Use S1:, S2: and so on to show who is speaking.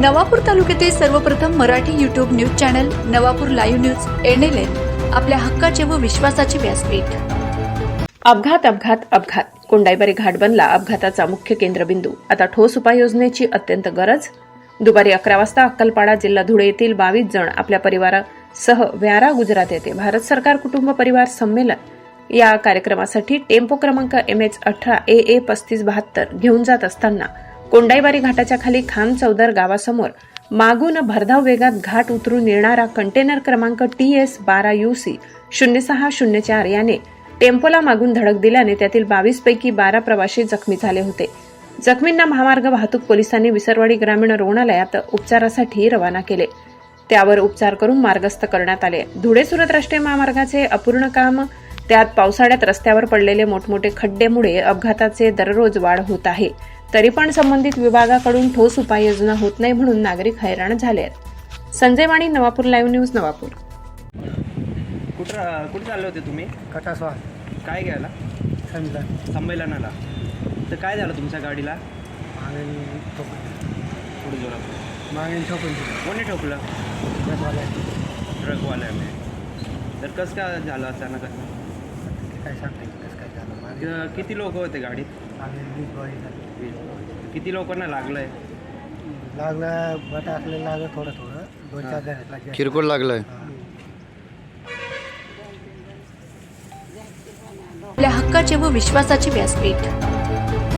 S1: नवापूर तालुक्यातील सर्वप्रथम Marathi YouTube news channel Navapur live news NLN आपल्या हक्काचे व विश्वासाचे व्यासपीठ।
S2: अपघात कोंडाईबारी घाट बनला अपघाताचा मुख्य केंद्रबिंदू। आता ठोस उपाययोजनेची अत्यंत गरज। दुपारी 11 वाजता अक्कलपाडा जिल्हा धुळे येथील 22 जण आपल्या परिवारासह व्यारा गुजरात येथे भारत सरकार कुटुंब परिवार संमेलन या कार्यक्रमासाठी टेम्पो क्रमांक MH18 AA 3572 घेऊन जात असताना कोंडाईबारी घाटाच्या खाली खाम चौदर गावासमोर मागून भरधाव वेगात घाट उतरून येणारा कंटेनर क्रमांक TS 12 UC 0604 याने टेम्पोला मागून धडक दिल्याने त्यातील 22 पैकी 12 प्रवासी जखमी झाले होते। जखमींना महामार्ग वाहतूक पोलिसांनी विसरवाडी ग्रामीण रुग्णालयात उपचारासाठी रवाना केले। त्यावर उपचार करून मार्गस्थ करण्यात आले। धुळे सुरत राष्ट्रीय महामार्गाचे अपूर्ण काम, त्यात पावसाळ्यात रस्त्यावर पडलेले मोठमोठे खड्ड्यामुळे अपघाताचे दररोज वाढ होत आहे। तरी पण संबंधित विभागाकडून ठोस उपाययोजना होत नाही म्हणून नागरिक हैराण झाले आहेत। Sanjay Wani, Navapur live news, Navapur.
S3: कुठे चालले होते तुम्ही?
S4: कटासवा
S3: काय घ्यायला? संमेलनाला। तर काय झालं तुमच्या गाडीला? पुढे जोरात
S4: मागणी ठोकून
S3: कोणी ठोकलं? ट्रकवाल्याने। तर कसं काय झालं अचानक?
S4: काय सांगते कसं काय झालं मागे
S3: किती लोक होते गाडीत? किती लोकांना लागलंय?
S4: लागलं बट असलेलं लागलं थोडं थोडं 2-4 जणांना
S5: किरकोळ लागलंय।
S1: आपल्या हक्काचे व विश्वासाचे व्यासपीठ।